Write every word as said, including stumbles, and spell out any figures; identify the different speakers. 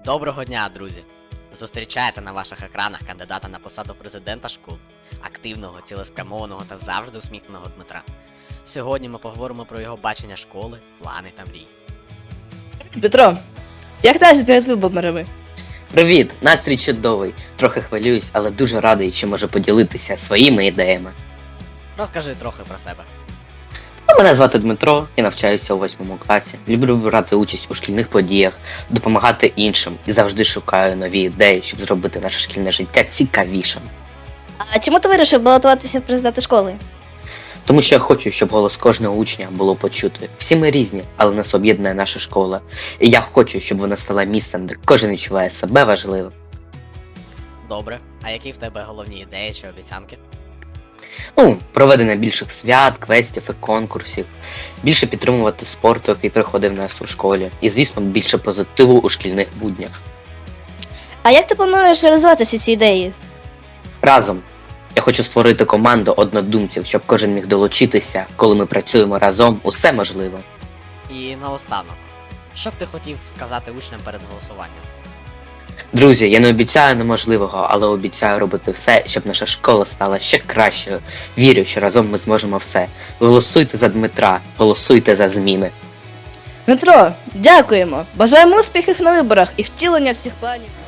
Speaker 1: Доброго дня, друзі! Зустрічаєте на ваших екранах кандидата на посаду президента школ, активного, цілеспрямованого та завжди усміхненого Дмитра. Сьогодні ми поговоримо про його бачення школи, плани та мрії.
Speaker 2: Петро, як настрій перед виборами?
Speaker 3: Привіт, настрій чудовий. Трохи хвилююсь, але дуже радий, що можу поділитися своїми ідеями.
Speaker 1: Розкажи трохи про себе.
Speaker 3: Ну, Мене звати Дмитро, я навчаюся у восьмому класі. Люблю брати участь у шкільних подіях, допомагати іншим і завжди шукаю нові ідеї, щоб зробити наше шкільне життя цікавішим.
Speaker 2: А чому ти вирішив балотуватися в президенти школи?
Speaker 3: Тому що я хочу, щоб голос кожного учня було почути. Всі ми різні, але нас об'єднує наша школа. І я хочу, щоб вона стала місцем, де кожен відчуває себе важливим.
Speaker 1: Добре, а які в тебе головні ідеї чи обіцянки?
Speaker 3: Ну, проведення більших свят, квестів і конкурсів, більше підтримувати спорту, який приходив в нас у школі, і, звісно, більше позитиву у шкільних буднях.
Speaker 2: А як ти плануєш реалізувати всі ці ідеї?
Speaker 3: Разом. Я хочу створити команду однодумців, щоб кожен міг долучитися, коли ми працюємо разом, усе можливо.
Speaker 1: І наостанок, що б ти хотів сказати учням перед голосуванням?
Speaker 3: Друзі, я не обіцяю неможливого, але обіцяю робити все, щоб наша школа стала ще кращою. Вірю, що разом ми зможемо все. Голосуйте за Дмитра, голосуйте за зміни.
Speaker 2: Дмитро, дякуємо! Бажаємо успіхів на виборах і втілення всіх планів.